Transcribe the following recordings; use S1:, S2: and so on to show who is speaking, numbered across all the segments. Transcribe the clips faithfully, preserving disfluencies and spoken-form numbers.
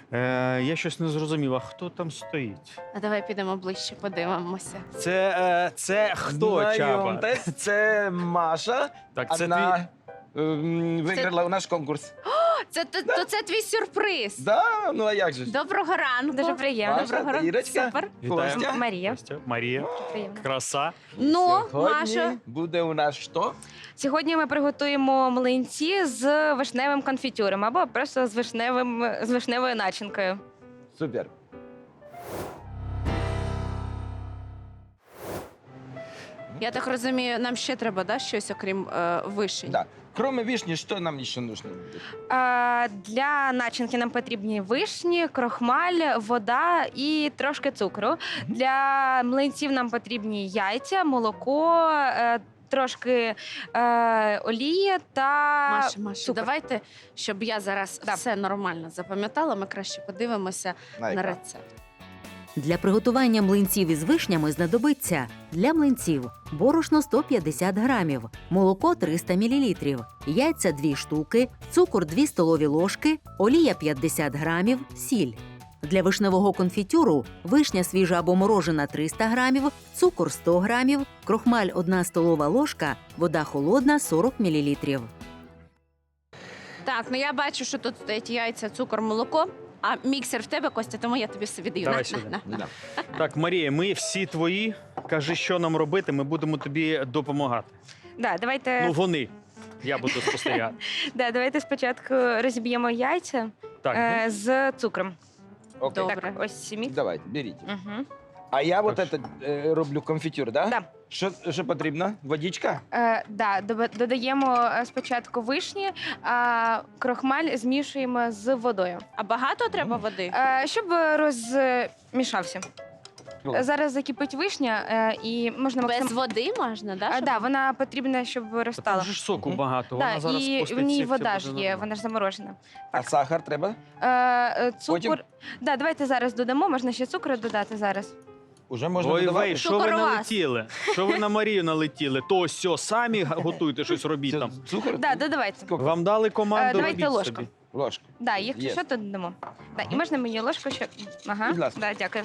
S1: Е, я щось не зрозумів, а хто там стоїть?
S2: А давай підемо ближче, подивимося.
S1: Це, е, це хто, Чаба?
S3: Знайомтесь, це Маша.
S1: Так, це
S3: Вона ем, виграла у наш конкурс.
S2: Це то, то це твій сюрприз.
S3: Да, ну а як же? ж?
S2: Доброго ранку.
S4: Дуже приємно.
S3: Маша,
S2: Доброго ранку.
S3: Ірочка.
S2: Супер.
S1: твій.
S3: Костя.
S1: Вітаю.
S4: Марія.
S1: Костя, Марія.
S4: Приємно.
S1: Краса.
S2: Ну,
S3: Сьогодні
S2: Маша.
S3: буде у нас що?
S4: Сьогодні ми приготуємо млинці з вишневим конфітюром або просто з вишневим з вишневою начинкою.
S3: Супер.
S2: Я так розумію, нам ще треба, да, щось, окрім е, вишень?
S3: Да. Кроме вишни, що нам ще нужно буде?
S4: А, для начинки нам потрібні вишні, крохмаль, вода і трошки цукру. Для млинців нам потрібні яйця, молоко, е, трошки е, олії та
S2: Маша, Маша,
S4: цукор.
S2: давайте, щоб я зараз
S4: Да.
S2: все нормально запам'ятала, ми краще подивимося на
S3: Найка.
S2: рецепт.
S5: Для приготування млинців із вишнями знадобиться для млинців борошно сто п'ятдесят грамів, молоко триста мілілітрів, яйця дві штуки, цукор дві столові ложки, олія п'ятдесят грамів, сіль. Для вишневого конфітюру вишня свіжа або морожена триста грамів, цукор сто грамів, крохмаль одна столова ложка, вода холодна сорок мілілітрів.
S2: Так, ну я бачу, що тут стоять яйця, цукор, молоко. А міксер в тебе, Костя, тому я тобі все віддаю.
S1: Давай
S2: На,
S1: сюди.
S2: на, на.
S3: Да.
S1: Так, Марія, ми всі твої. Кажи, що нам робити, ми будемо тобі допомагати.
S4: Да, давайте,
S1: Ну, вони. Я буду спостерігати.
S4: да, давайте спочатку розіб'ємо яйця
S1: Так,
S4: е, з цукром.
S3: Окей.
S2: Добре.
S4: Так, ось мікс.
S3: Давайте, беріть.
S4: Угу.
S3: А я вот
S1: Так.
S3: это е, роблю конфітюр, да?
S4: Да.
S3: Що, що потрібно? Водичка?
S4: Е, да, доба- додаємо е, спочатку вишні, а крохмаль змішуємо з водою,
S2: А багато треба води?
S4: е, щоб розмішався.
S3: О.
S4: Зараз закипить вишня е, і можна
S2: Без
S4: максим...
S2: води можна, да?
S4: А,
S2: щоб-
S4: да, вона потрібна, щоб
S1: Там
S4: розтала.
S1: же ж соку
S3: Мгм.
S1: багато, вона
S4: Да,
S1: зараз
S4: і в
S1: спуститься,
S4: ній
S1: і все
S4: вода
S1: буде
S4: ж є,
S1: нормально.
S4: вона ж заморожена.
S3: А сахар треба?
S4: Е, е, цукор.
S3: Потім?
S4: Да, давайте зараз додамо, можна ще цукру додати зараз.
S3: Уже можна
S1: Ой,
S3: додавати?
S1: ви, що ви
S2: Цукор у вас.
S1: налетіли? Що ви на Марію налетіли? То сьо, самі га- готуйте щось робіть
S3: Це
S1: там.
S3: Цукор?
S4: Да, додавайте.
S3: Скільки?
S1: Вам дали
S4: Е,
S1: команду,
S4: давайте
S1: робіть
S4: ложку.
S1: собі.
S3: Ложку.
S4: Да, якщо
S3: Є.
S4: що, то додамо. Да, і
S3: Ага.
S4: можна мені ложку ще. Ага.
S3: Будь ласка.
S4: Да, дякую.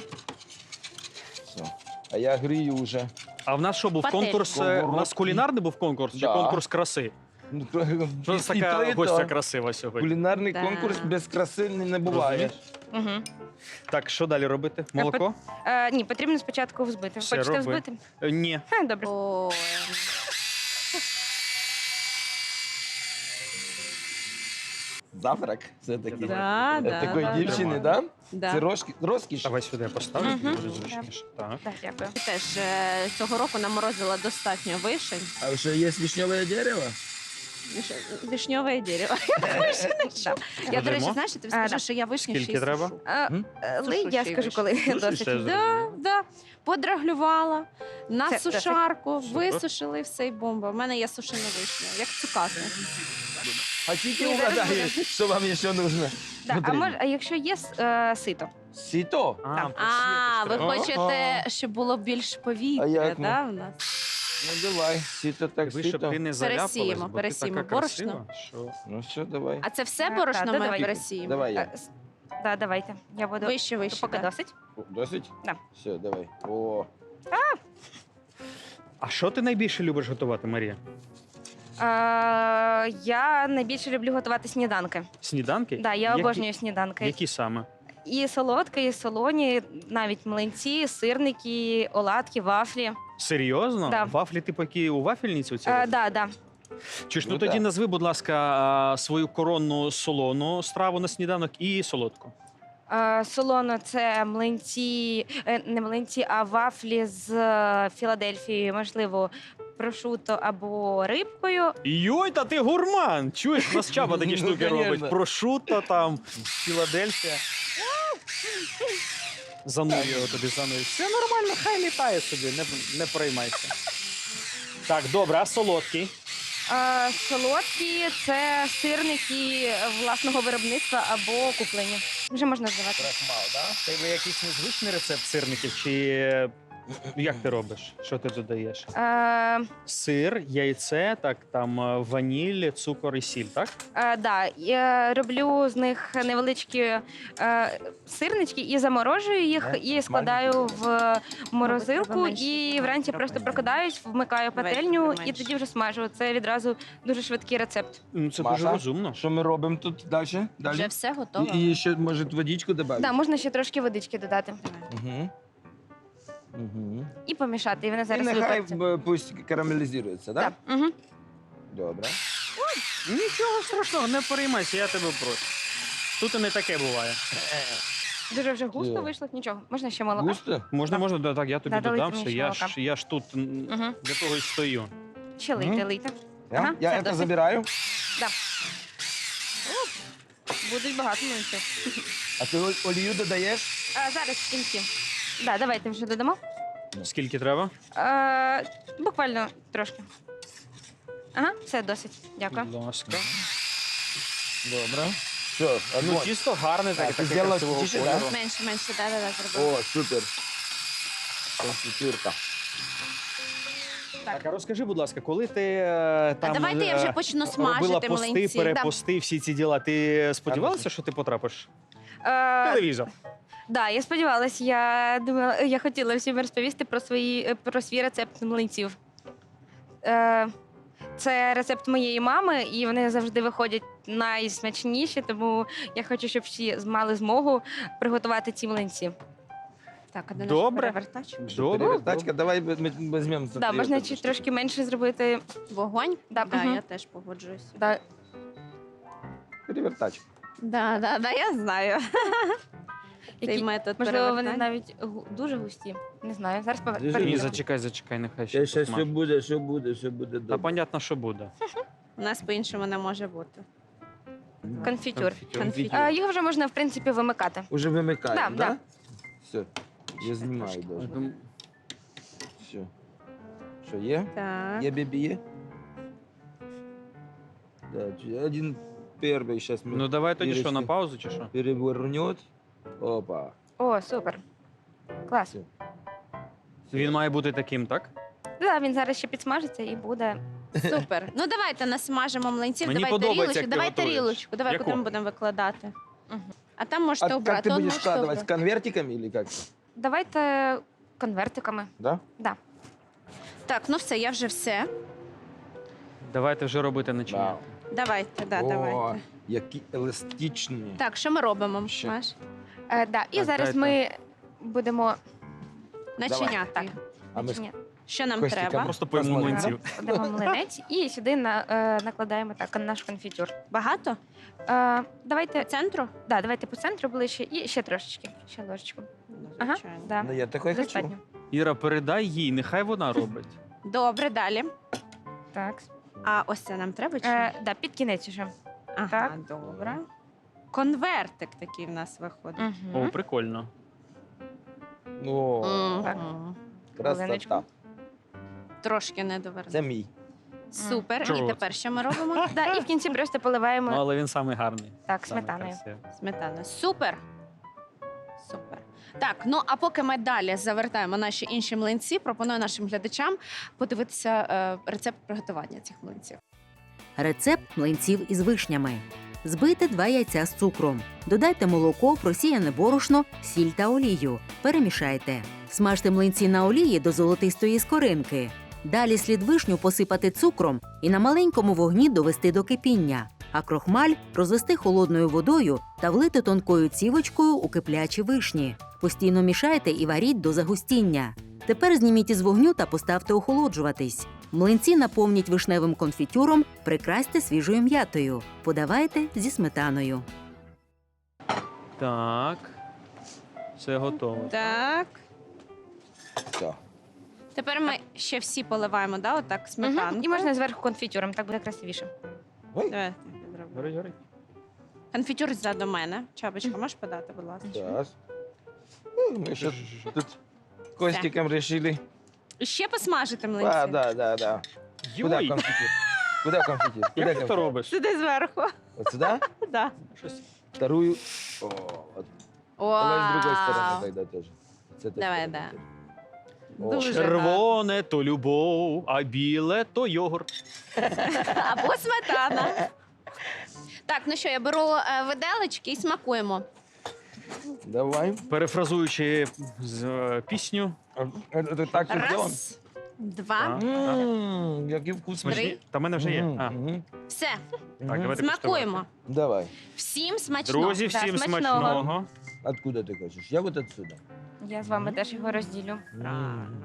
S3: Все. А я грію вже.
S1: А в нас що був
S2: Пательня.
S1: конкурс? е, У нас кулінарний був конкурс чи
S3: Да.
S1: конкурс краси?
S3: Ну,
S1: Що
S3: і
S1: це
S3: то,
S1: така
S3: і
S1: гостя
S3: то.
S1: красива сьогодні?
S3: Кулінарний
S2: Да.
S3: конкурс без краси не не буває.
S1: Розумієш?
S4: Угу.
S1: Так, що далі робити? Молоко?
S4: Е, ні, потрібно спочатку взбити.
S1: Все,
S4: Хочете
S1: роби.
S4: взбити?
S1: Е, Ні.
S4: Ха, добре.
S2: Ой.
S3: Завтрак все-таки.
S2: Да,
S3: Е,
S2: да,
S3: Такої
S2: да,
S3: дівчини,
S1: да.
S3: да?
S2: Да.
S3: Це розкі- розкіш.
S1: Давай сюди я поставлю,
S4: Мгм.
S1: тобі буде зручніше. Так.
S4: Да, дякую.
S2: Теж е, цього року наморозила достатньо вишень.
S3: А ще є вишневе дерево?
S2: Виш- Вишньове дерево. Я, до речі,
S1: Беремо?
S2: знаєш, я тобі
S4: А,
S2: скажу,
S4: да.
S2: що я вишні ще
S1: Скільки
S2: й
S1: треба?
S2: сушу.
S4: Е,
S3: М?
S4: е,
S2: Сушу
S4: ли, я
S2: ще й
S4: скажу,
S2: вишні.
S4: коли
S1: Сушиш
S4: досить.
S1: ще?
S2: Да, да. Подраглювала на
S4: Це досить.
S2: сушарку,
S1: Супер.
S2: висушили все і бомба. У мене є сушена вишня, як цукати.
S3: А тільки
S4: Ні, зараз
S3: угадай,
S4: буде.
S3: що вам ще потрібно.
S4: Да, а, мож, а якщо є е, сито?
S3: Сіто?
S1: А,
S4: Так.
S2: А, ви
S1: треба.
S2: хочете, щоб було більш
S3: А
S2: повітря,
S3: як ми?
S2: да, в нас?
S3: Ну давай, сіто так
S1: Ви, щоб
S3: сіто.
S1: ти не заляпалась,
S2: Пересіємо,
S1: бо ти
S2: пересіємо
S1: така красива,
S2: борошно.
S1: що...
S3: Ну все, давай.
S2: А це все
S4: Так,
S2: борошно
S4: так,
S2: ми
S4: давай.
S2: пересіємо?
S3: Давай я.
S4: Е, с- да, давайте. Я буду.
S2: Вище, вище.
S4: Поки
S2: да.
S4: досить.
S3: О, Досить?
S4: Да.
S3: Все, давай. О,
S1: А що ти найбільше любиш готувати, Марія?
S4: Е, я найбільше люблю готувати сніданки.
S1: Сніданки?
S4: Да, я
S1: Які-
S4: обожнюю сніданки.
S1: Які саме?
S4: І солодкі, і солоні, навіть млинці, сирники, оладки, вафлі.
S1: Серйозно?
S4: Да.
S1: Вафлі типу які у вафельниці оці?
S4: Е,
S1: роблять?
S4: да, да.
S1: Чи ж ну
S3: Ну,
S1: тоді
S3: да.
S1: назви, будь ласка, а, свою коронну солону страву на сніданок і солодку.
S4: Е, солоно це млинці, е, не млинці, а вафлі з е, Філадельфії, можливо, прошуто або рибкою.
S1: Йой, та ти гурман! Чуєш, у нас Чаба такі
S3: Ну,
S1: штуки
S3: конечно.
S1: робить. Прошуто там, Філадельфія. Занув його тобі, занув. Все нормально, хай літає собі, не, не переймайся. Так, добре, а солодкий?
S4: Е, солодкі це сирники власного виробництва або куплені. Вже можна здавати.
S3: крахмал, да?
S1: Тебе якийсь незвичний рецепт сирників чи Як ти робиш? Що ти додаєш?
S4: Е,
S1: Сир, яйце, так, там е, ваніль, цукор і сіль, так?
S4: е, да, я роблю з них невеличкі е, сирнички і заморожую їх,
S3: Да?
S4: і складаю в
S2: треба
S4: морозилку,
S2: менше
S4: і
S2: цукру
S4: вранці
S2: зробити.
S4: просто прокидаюсь, вмикаю
S2: Давайте
S4: пательню
S2: менше.
S4: і тоді вже смажу. Це відразу дуже швидкий рецепт.
S1: Ну, це
S3: Маша?
S1: дуже розумно.
S3: Що ми робимо тут далі?
S2: Вже
S3: Далі?
S2: все готово.
S3: І, і ще, може, водичку додати?
S4: Да, можна ще трошки водички додати
S3: Угу. Угу.
S4: і помішати. І вони
S3: І
S4: зараз
S3: нехай
S4: випаряться.
S3: б, пусть карамелізується, так?
S4: Да. Угу.
S3: Добре.
S1: Нічого страшного, не переймайся, я тебе прошу. Тут і не таке буває.
S4: Дуже вже густо
S3: Є.
S4: вийшло, нічого. Можна ще молока?
S3: Густо?
S1: Можна, можна, да, так, я тобі
S4: Да, долийте
S1: додам
S4: мені
S1: все.
S4: ще
S1: Я
S4: молока.
S1: ж, я ж тут м,
S4: Угу.
S1: для того і стою.
S4: Ще лийте,
S3: Мгм.
S4: лийте.
S3: Я,
S4: Ага,
S3: я
S4: це
S3: це
S4: досить.
S3: забираю.
S4: Будуть багато млинців.
S3: А ти ол- олію додаєш?
S4: А, зараз в кінці. Да, давайте вже додамо.
S1: Скільки треба?
S4: Е, буквально трошки. Ага, все досить. Дякую.
S1: Будь ласка.
S3: Добре. Все,
S1: Ну,
S3: огонь.
S1: тісто гарне,
S3: А,
S1: таке,
S3: ти
S1: таке
S3: зробила
S1: красивого
S3: тіше,
S1: кольору.
S3: да?
S2: Менше, менше, да, да, да, зробила.
S3: О, супер. Конфітюрка.
S1: Так, а розкажи, будь ласка, коли ти е, там
S2: А давайте я
S1: е,
S2: вже почну
S1: робила
S2: смажити
S1: пости,
S2: млинці.
S1: перепости, всі ці діла, ти сподівалася, що ти потрапиш в
S4: Е,
S1: телевізор?
S4: да, я сподівалася, я думала, я хотіла всім розповісти про свої е, про свій рецепт млинців. Е, це рецепт моєї мами, і вони завжди виходять найсмачніші, тому я хочу, щоб всі мали змогу приготувати ці млинці.
S2: Так, а де наш
S1: Добре.
S2: перевертач?
S1: Добре.
S3: Перевертачка, давай ми візьмемо. за
S4: Да,
S3: твою
S4: можна
S3: таку
S4: чи
S3: штуку.
S4: трошки менше зробити.
S2: Вогонь?
S4: Да,
S2: Да,
S4: мгм.
S2: я теж погоджуюся.
S4: Да.
S3: Перевертачка.
S2: Да, да, да, я знаю. Цей
S4: Які-
S2: метод
S4: Можливо, вони
S2: перевертання.
S4: навіть гу- дуже густі. Не знаю. Зараз повер-
S3: Дуже
S1: Ні,
S4: перевірю.
S3: густі.
S1: зачекай, зачекай, нехай ще
S3: Ще, ще
S1: посмаж.
S3: все буде, все буде, все буде
S1: Та
S3: добре.
S1: понятно, що буде.
S2: У нас по-іншому не може бути.
S4: Конфітюр.
S1: Конфітюр.
S2: Конфітюр.
S4: А, його вже можна, в принципі, вимикати.
S3: Уже вимикаємо,
S4: Да,
S3: да?
S4: да.
S3: Все. Я знімаю
S2: трошки.
S3: даже.
S1: Ну,
S3: Все. Що, є?
S2: Так.
S3: Є бебі, є? Да, чи- один перший, сейчас мы
S1: Ну давай тоді що, на
S3: Ірочки.
S1: паузу чи що?
S3: перевернет. Опа.
S4: О, супер. Клас.
S3: Все.
S1: Він має бути таким, так?
S4: Да, він зараз ще підсмажиться і буде.
S2: Супер. Ну давайте насмажимо млинців.
S1: Мені
S2: давай
S1: подобається,
S2: тарілочку.
S1: як ти
S2: Давай
S1: готуєш.
S2: тарілочку. Давай
S1: Яку?
S2: куди ми будемо викладати.
S4: Мгм.
S2: А там
S3: А
S2: можете
S3: как
S2: обрати.
S3: ты
S2: Он
S3: будешь
S2: можете
S3: складывать? С
S2: обрати.
S3: конвертиками или как?
S4: Давайте конвертиками.
S3: Да?
S4: Да.
S2: Так, ну все, я вже все.
S1: Давайте вже робити начиння.
S3: Вау.
S2: Давайте, да,
S3: О,
S2: давайте.
S3: які еластичні.
S2: Так, що ми робимо?
S3: Ще.
S2: Маш?
S4: Е, да. І
S1: Так,
S4: зараз
S1: дайте.
S4: ми будемо.
S2: Начиняти.
S4: Так.
S3: А ми
S4: Ні,
S2: Що нам
S3: Костіка,
S2: треба?
S1: Просто поїмо
S3: Посмотрим.
S1: млинців.
S4: кладемо млинець і сюди на, е, накладаємо так наш конфітюр.
S2: Багато?
S4: Е,
S2: По
S4: давайте,
S2: центру?
S4: да, давайте по центру ближче і ще трошечки. Ще ложечку.
S2: Ну,
S4: Ага,
S2: звичайно.
S4: да.
S3: Ну, я такой хочу.
S4: Достатньо.
S1: Іра, передай їй, нехай вона робить.
S2: Добре, далі.
S4: Так.
S2: А ось це нам треба чи?
S4: Е,
S2: ні?
S4: да, під кінець уже.
S2: Ага,
S4: так.
S2: добре. Конвертик такий в нас виходить.
S4: Угу.
S1: О, прикольно.
S3: О,
S2: Мгм.
S4: Так.
S3: красота.
S4: Хвилиночку.
S2: Трошки не доверну.
S3: Це мій.
S2: Супер.
S1: Чого
S2: І
S1: це?
S2: тепер що ми робимо?
S4: Да, і в кінці просто
S1: Ну,
S4: поливаємо
S1: але він самий гарний.
S4: так,
S1: самий
S4: сметаною.
S1: красивий.
S2: Сметана. Супер. Супер. Так, ну а поки ми далі завертаємо наші інші млинці, пропоную нашим глядачам подивитися е, рецепт приготування цих млинців.
S5: Рецепт млинців із вишнями. Збийте два яйця з цукром. Додайте молоко, просіяне борошно, сіль та олію. Перемішайте. Смажте млинці на олії до золотистої скоринки. Далі слід вишню посипати цукром і на маленькому вогні довести до кипіння, а крохмаль розвести холодною водою та влити тонкою цівочкою у киплячі вишні. Постійно мішайте і варіть до загустіння. Тепер зніміть із вогню та поставте охолоджуватись. Млинці наповніть вишневим конфітюром, прикрасьте свіжою м'ятою. Подавайте зі сметаною.
S1: Так. Все готово.
S2: Так.
S3: Все.
S2: Тепер ми ще всі поливаємо, да, отак сметанку.
S4: Мгм. І можна зверху конфітюром, так буде красивіше.
S3: Ой,
S2: Давай я зроблю.
S1: Горить, горить.
S2: Конфітюр ззаду мене. Чабочка, можеш подати, будь ласка?
S3: зараз. Ну, Ми ще тут Костиком решили.
S2: І ще посмажити млинці.
S3: А, да, да, да. Куда
S1: Йой,
S3: конфетти? Куда конфетти? Куда
S1: як ти то
S3: конфетти?
S1: робиш?
S2: Сюди зверху.
S3: Вот сюда?
S2: Да.
S1: Щось.
S3: Вторую. О, вот. Давай с другой стороны
S2: Вау.
S3: тогда тоже. С этой
S2: Давай,
S3: стороны
S2: да.
S3: тоже.
S2: Дуже
S1: Червоне то любов, а біле то йогурт.
S2: Або сметана. Так, ну що, я беру е, виделечки і смакуємо.
S3: Давай.
S1: Перефразуючи з е, пісню.
S3: А, это так и делаем?
S2: Раз, два,
S1: А.
S3: Ммм, який вкусний.
S1: Смачні? Та в мене вже є.
S3: Мгм,
S1: А,
S3: мгм,
S2: все,
S1: так,
S3: мгм.
S1: давайте
S2: смакуємо.
S3: Давай.
S2: Всім смачного.
S1: Друзі,
S4: Да,
S1: всім
S4: смачного.
S1: смачного.
S3: Откуда ты хочешь? Я вот отсюда.
S4: Я з вами теж його розділю.
S2: Правильно.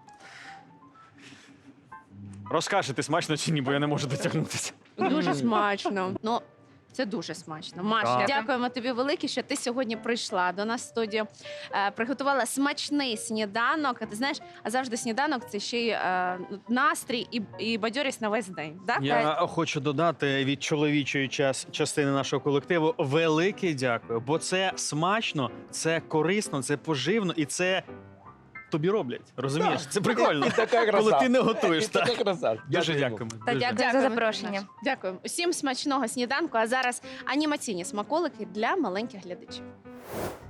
S1: Розкажете, смачно чи ні, бо я не можу дотягнутися.
S2: Дуже смачно. Ну, це дуже смачно. Маша,
S1: Так.
S2: дякуємо тобі велике, що ти сьогодні прийшла до нас в студію. Е, приготувала смачний сніданок. А ти знаєш, а завжди сніданок це ще й е, настрій і, і бадьорість на весь день. Так?
S1: Я хочу додати від чоловічої час, частини нашого колективу велике дякую, бо це смачно, це корисно, це поживно і це тобі роблять. Розумієш? Це прикольно.
S3: І така краса.
S1: Коли ти не готуєш.
S3: І така
S1: Так.
S3: краса.
S1: Дуже
S3: Дякуємо.
S1: дякуємо.
S4: Та
S1: дуже.
S4: дякую за
S2: Дякуємо,
S4: запрошення.
S2: Маша. Дякую. Усім смачного сніданку. А зараз анімаційні смаколики для маленьких глядачів.